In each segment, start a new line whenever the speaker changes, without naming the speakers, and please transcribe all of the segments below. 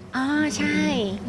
อ๋อใช่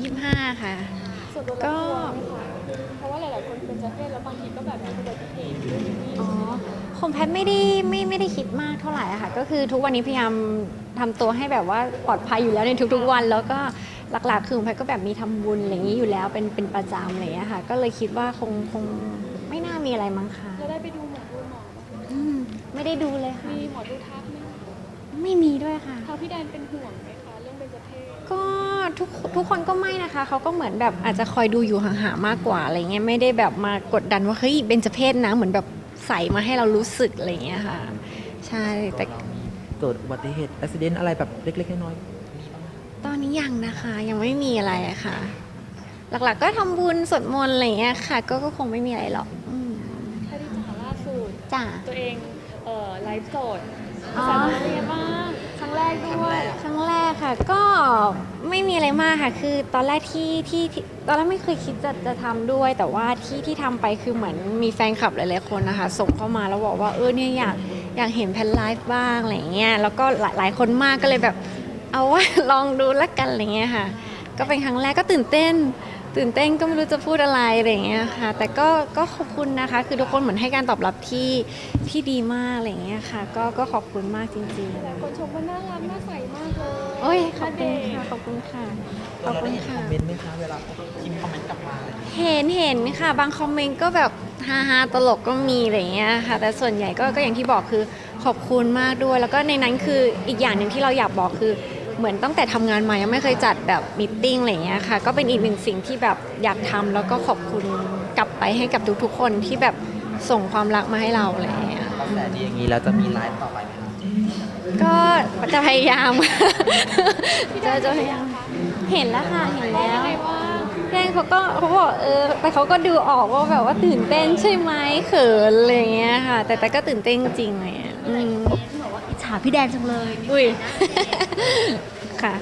25ค่ะ
ส่วนตัวเรา
ก็
กลัวไหมคะเพราะว่าหลายๆคนเป็นเจ้าเพศแล้วบางทีก็แบบมีอุบัติเหตุด้วยนี่
อ๋อ
ใช่ไหมคะ
ของแพทย์ไม่ได้คิดมากเท่าไหร่อะค่ะก็คือทุกวันนี้พยายามทำตัวให้แบบว่าปลอดภัยอยู่แล้วในทุกๆวันแล้วก็หลักๆคือของแพทย์ก็แบบมีทำบุญอะไรอย่างนี้อยู่แล้วเป็นประจำอะไรอย่างเงี้ยค่ะก็เลยคิดว่าคงไม่น่ามีอะไรมั้งคะ
เราได้ไปดูหมอไหม
อืมไม่ได้ดูเลยค่ะ
มีหมอดูทักไหมคะ
ไม่มีด้วยค่ะ
ทางพี่แดนเป็นห่วงไหมคะเรื่องเบญจเพศ
ก็ทุกคนก็ไม่นะคะเขาก็เหมือนแบบอาจจะคอยดูอยู่ห่างๆมากกว่าอะไรเงี้ยไม่ได้แบบมากดดันว่าเฮ้ยเบญจเพศนะเหมือนแบบใส่มาให้เรารู้สึกอะไรเงี้ยค่ะใช่แต่
เรามีเกิดอุบัติเหตุอุบิเหตุอะไรแบบเล็กๆน้อยๆมีบ้างไหม
ตอนนี้ยังนะคะยังไม่มีอะไรอะค่ะหลักๆก็ทำบุญสวดมนต์อะไรเงี้ยค่ะก็คงไม่มีอะไรหรอก
ถ้าที่จ๋าล่าสุด
จ้ะ
ตัวเองไลฟ์สด
อ๋อ
สามีเป็นยังไงบ้างครั้งแรกด้วย
ครั้งแรกค่ะก็ไม่มีอะไรมากค่ะคือตอนแรกที่ตอนแรกไม่เคยคิดจะทำด้วยแต่ว่าที่ทำไปคือเหมือนมีแฟนคลับหลายๆคนนะคะส่งเข้ามาแล้วบอกว่าเนี่ยอยากเห็นแพนไลฟ์บ้างอะไรเงี้ยแล้วก็หลายคนมากก็เลยแบบเอาว่า ลองดูละกันอะไรเงี้ยค่ะก็เป็นครั้งแรกก็ตื่นเต้นก็ไม่รู้จะพูดอะไรอะไรอย่างเงี้ยค่ะแต่ก็ขอบคุณนะคะคือทุกคนเหมือนให้การตอบรับที่ดีมากอะไรอย่างเงี้ยค่ะก็ขอบคุณมากจริง
หลายคนชมว่าน่ารักน่าใสมากเลย
ๆโอ้ยขอบ
ณเด
คุณค่ะข
เรา
อบคุณ
ได้เห็นค
ค่ะ
อมเมนต์ไหมคะเวลาเขาพิมพ์คอมเมนต์กลับมาอะไรอย่างเงี้ย
เห็นค่ะบางคอมเมนต์ก็แบบฮาตลกก็มีอะไรอย่างเงี้ยค่ะแต่ส่วนใหญ่ก็อย่างที่บอกคือขอบคุณมากด้วยแล้วก็ในนั้นคืออีกอย่างหนึ่งที่เราอยากบอกคือเหมือนตั้งแต่ทำงานมายังไม่เคยจัดแบบมีตติ้งอะไรอย่างเงี้ยค่ะก็เป็นอีกหนึ่งสิ่งที่แบบอยากทำแล้วก็ขอบคุณกลับไปให้กับทุกๆคนที่แบบส่งความรักมาให้เราอะไรอย่างเงี้ย
กระแสดีอย่างนี้แล้วจะมีไลฟ์ต่อไปไหมคะ
ก็จะพยายาม จะพยายามเห็นแล้วค่ะเห็นแล้ว
ยังไงว่า
แจ้งเขาบอกแต่เขาก็ดูออกว่าแบบว่าตื่นเต้นใช่ไหมเขินอะไรอย่างเงี้ยค่ะแต่ก็ตื่นเต้นจริงเลยอะ
บอกว่าอิจฉาพี่แดนจังเลย
อุ้ย ค่ะ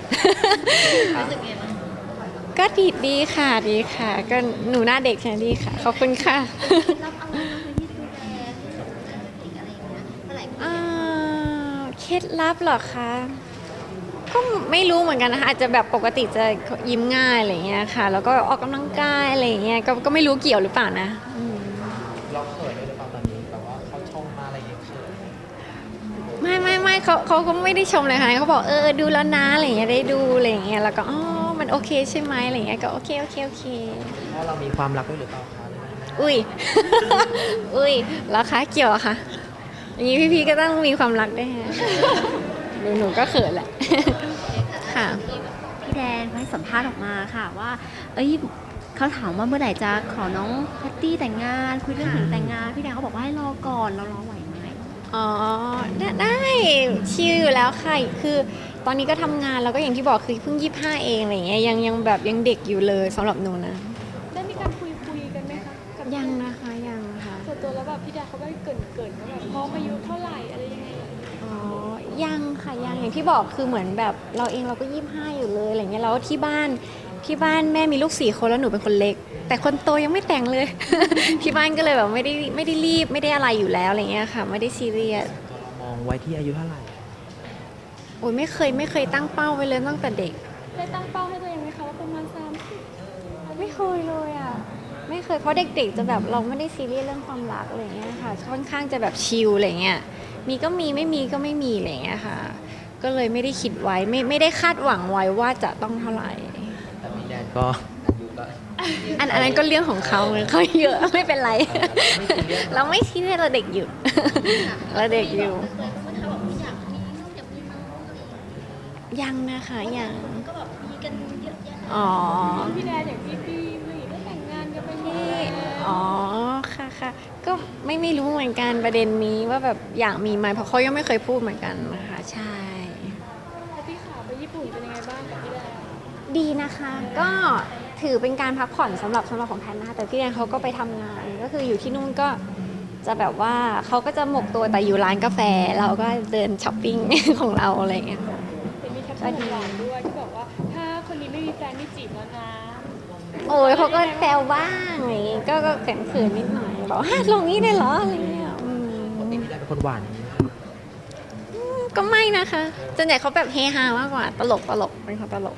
ก็ดีค่ะดีค่ะ ก็หนูหน้าเด็กใช่ไหมดีค่ะ ขอบคุณค่ะ
รับอะไรบ้างคะที่ดูแลที่อะไรอย่างเงี้ยเมื่อไหร่
เคล็ดลับเหรอคะ ก็ไม่รู้เหมือนกันนะคะอาจจะแบบปกติจะยิ้มง่ายอะไรเงี้ยค่ะ แล้วก็ออกกำลังกายอะไรเงี้ยก็ไม่รู้เกี่ยวหรือเปล่านะ
เราเขินด้วยหรือเปล่าตอนนี้แบบว่าเขาชมมาอะไรอย่างเงี้ยเขิน
ไม่เขาก็ไม่ได้ชมเลยค่ะเขาบอกดูแล้วนะอะไรเงี้ยได้ดูอะไรเงี้ยแล้วก็มันโอเคใช่ไหมอะไรเงี้ยก็โอเค
เพราะเรามีความรักด้วยหรือเปล่าคะหรือไม่
อุ้ย อุ้ยแล้วคะเกี่ยวอะคะอย่างนี้พี่ก็ต้องมีความรักด้วยฮะหนูก็เขินแหละ ค่ะ
พี่แดนเขาให้สัมภาษณ์ออกมาค่ะว่าเอ้ยเขาถามว่าเมื่อไหร่จะขอน้องแพตตี้แต่งงานคุยเรื่องถึงแต่งงานพี่แดนเขาบอกว่าให้รอก่อนเรารอไหวไหม
อ๋อได้ชิลอยู่แล้วค่ะคือตอนนี้ก็ทำงานแล้วก็อย่างที่บอกคือเพิ่ง25เองอะไรเงี้ยยังแบบยังเด็กอยู่เลยสำหรับหนูนะ
ได้มีการคุยกันไหมคะกับ
ยังนะคะยังค่ะ
ส่วนตัวแล้วแบบพี่แดนเขาได้เกรินว่าแบบพร้อมอายุเท่าไหร่อะไรยังไง
อ๋อยังค่ะยังอย่างที่บอกคือเหมือนแบบเราเองเราก็25อยู่เลยอะไรเงี้ยแล้วที่บ้านแม่มีลูก4 คนแล้วหนูเป็นคนเล็ก แต่คนโตยังไม่แต่งเลย ที่บ้านก็เลยแบบไม่ได้รีบไม่ได้อะไรอยู่แล้วอะไรเงี้ยค่ะไม่ได้ซีเรียส
ส่วนตัวเรามองไว้ที่อายุเท่าไหร่
โอ้ยไม่เคยตั้งเป้าไว้เลยตั้งแต่เด็ก
ได้ตั้งเป้าให้ตัวเองไหมคะว่าประมาณ30
ไม่เคยเลยอ่ะไม่เคยเพราะเด็กๆจะแบบเราไม่ได้ซีเรียสเรื่องความรักอะไรเงี้ยค่ะค่อนข้างจะแบบชิลอะไรเงี้ยมีก็มีไม่มีก็ไม่มีอะไรเงี้ยค่ะก็เลยไม่ได้คิดไว้ไม่ได้คาดหวังไว้ว่าจะต้องเท่าไหร่
แต่พี่แดนก็อายุก็
อันนั้นก็เรื่องของเขาเขาเยอะไม่เป็นไร
ไม่ซีเรียส
เราไม่ซีเรียสเราเด็กอยู่ เราเด็กอยู่
ก็ถ้าบอกว่าอยากมีลูกอยากมีน้องอะไรอย่างเงี้ย
ยังนะคะยัง
ก็แบบมีกันเยอะแยะ
อ๋อ
พี่แดนอย่างพี่ผู้หญิงก็แต่งงานกันไปหมด
ที่
แล้ว
อ๋อค่ะก็ไม่รู้เหมือนกันประเด็นนี้ว่าแบบอยากมีไหมเพราะเขายังไม่เคยพูดเหมือนกันนะคะใช่
แล้วพี่ขาไปญี่ปุ่นเป็นยังไงบ้างกับพี่แดน
ดีนะคะก็ถือเป็นการพักผ่อนสำหรับของแพนนะคะแต่พี่แดนเขาก็ไปทำงานก็คืออยู่ที่นู่นก็จะแบบว่าเขาก็จะหมกตัวแต่อยู่ร้านกาแฟเราก็เดินช้อปปิ้ง ของเราอะไรอย่างเงี้ย
เห็นมีแคปชั่นหวานๆด้วยที่บอกว่าถ้าคนนี้ไม่มีแฟนไม่จีบแล้วนะ
โอ้ยเขาก็แซวบ้างอะไรอย่างงี้ก็เขินๆนิดหน่อยบอกฮะลงนี้ได้เหรออะไรเงี้ย
ปกติพี่แดนเป็นคนหวานอย่างนี้ไหมคะ
ก็ไม่นะคะส่วนใหญ่เขาแบบเฮฮามากกว่าตลกเป็นคนตลก
อย่าง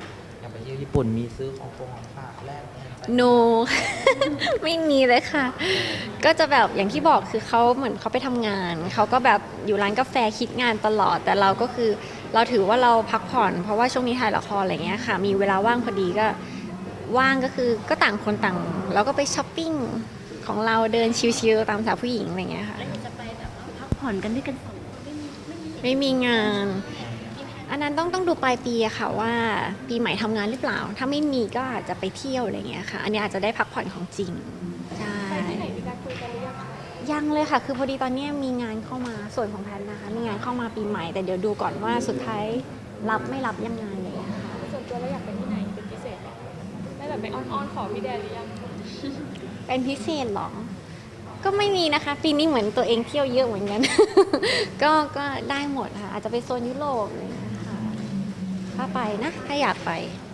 ไปเที่ยวญี่ปุ่นมีซื้อของฝากแลกเงินไป
no ไม่มีเลยค่ะ ก็จะแบบอย่างที่บอกคือเขาเหมือนเขาไปทำงาน เขาก็แบบอยู่ร้านกาแฟคิดงานตลอด แต่เราก็คือเราถือว่าเราพักผ่อน เพราะว่าช่วงนี้ถ่ายละครอะไรเงี้ยค่ะ มีเวลาว่างพอดีก็ว่างก็คือก็ต่างคนต่างเราก็ไปช้อปปิ้งของเราเดินชิลๆตามสาวผู้หญิงอะไรเงี้ยค่ะ
จะไปแบบว่าพักผ่อนกันด้วยกันสองคนไม่มี
ไม่มีงาน อันนั้นต้องดูปลายปีอะค่ะว่าปีใหม่ทำงานหรือเปล่า ถ้าไม่มีก็อาจจะไปเที่ยวอะไรเงี้ยค่ะ อันนี้อาจจะได้พักผ่อนของจริง ใช่
ไปที่ไหนมีการคุยกันหรือยังคะ
ยังเลยค่ะ คือพอดีตอนเนี้ยมีงานเข้ามาส่วนของแพทนะคะ มีงานเข้ามาปีใหม่ แต่เดี๋ยวดูก่อนว่าสุดท้ายรับไม่รับยังไงเลยอะค่ะ
ส่วนตัวเราอยากไปที่ไหนเป็นพิเศษไหมได้แบบไปอ้อนๆขอพี่แดนหรือยัง
เป็นพิเศษเหรอ ก็ไม่มีนะคะ ปีนี้เหมือนตัวเองเที่ยวเยอะเหมือนกัน ก็ได้หมดค่ะ อาจจะไปโซนยุโรปอะไรอย่างเงี้ยค่ะ ถ้าไปนะ ถ้าอยากไป
อ